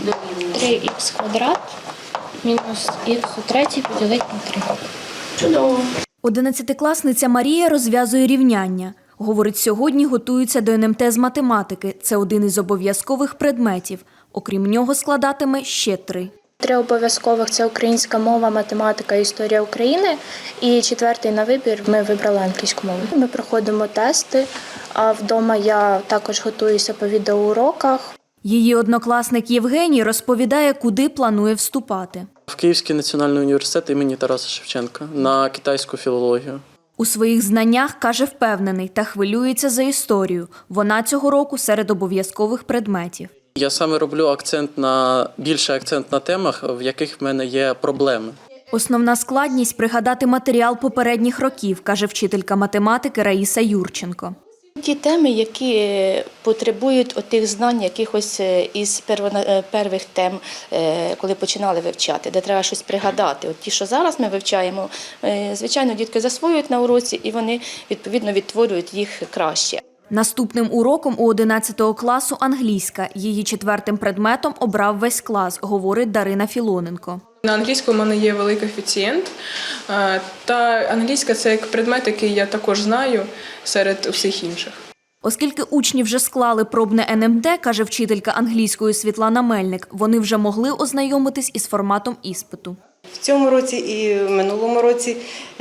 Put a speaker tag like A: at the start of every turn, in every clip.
A: 3х квадрат мінус х у третій поділити на 3. Чудово.
B: 11-класниця Марія розв'язує рівняння. Говорить, сьогодні готується до НМТ з математики. Це один із обов'язкових предметів. Окрім нього складатиме ще 3.
A: 3 обов'язкових – це українська мова, математика, історія України. І 4-й на вибір ми вибрали англійську мову. Ми проходимо тести, а вдома я також готуюся по відеоуроках.
B: Її однокласник Євгеній розповідає, куди планує вступати.
C: В Київський національний університет імені Тараса Шевченка на китайську філологію.
B: У своїх знаннях, каже, впевнений та хвилюється за історію. Вона цього року серед обов'язкових предметів.
C: Я саме роблю більший акцент на темах, в яких в мене є проблеми.
B: Основна складність – пригадати матеріал попередніх років, каже вчителька математики Раїса Юрченко.
D: Ті теми, які потребують отих знань, якихось із перших тем, коли починали вивчати, де треба щось пригадати. От ті, що зараз ми вивчаємо, звичайно, дітки засвоюють на уроці і вони, відповідно, відтворюють їх краще.
B: Наступним уроком у 11 класу англійська. Її 4-м предметом обрав весь клас, говорить Дарина Філоненко.
E: На англійську в мене є великий коефіцієнт, та англійська – це як предмет, який я також знаю серед усіх інших.
B: Оскільки учні вже склали пробне НМТ, каже вчителька англійської Світлана Мельник, вони вже могли ознайомитись із форматом іспиту.
F: В цьому році і в минулому році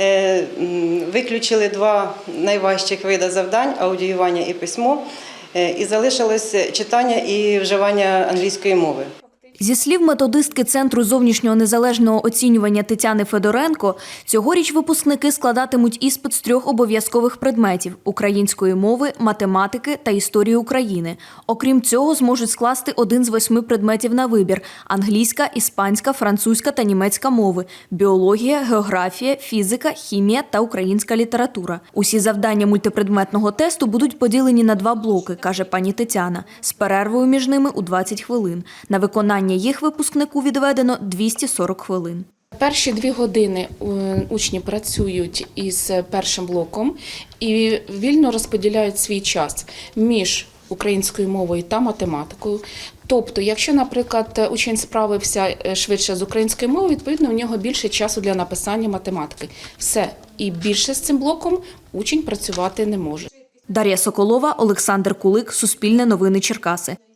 F: виключили 2 найважчих види завдань – аудіювання і письмо, і залишилось читання і вживання англійської мови.
B: Зі слів методистки Центру зовнішнього незалежного оцінювання Тетяни Федоренко, цьогоріч випускники складатимуть іспит з 3 обов'язкових предметів – української мови, математики та історії України. Окрім цього, зможуть скласти 1 з 8 предметів на вибір – англійська, іспанська, французька та німецька мови, біологія, географія, фізика, хімія та українська література. Усі завдання мультипредметного тесту будуть поділені на 2 блоки, каже пані Тетяна, з перервою між ними у 20 хвилин. На виконання їх випускнику відведено 240 хвилин.
G: Перші 2 години учні працюють із першим блоком і вільно розподіляють свій час між українською мовою та математикою. Тобто, якщо, наприклад, учень справився швидше з українською мовою, відповідно, у нього більше часу для написання математики. Все. І більше з цим блоком учень працювати не може.
B: Дар'я Соколова, Олександр Кулик, Суспільне новини Черкаси.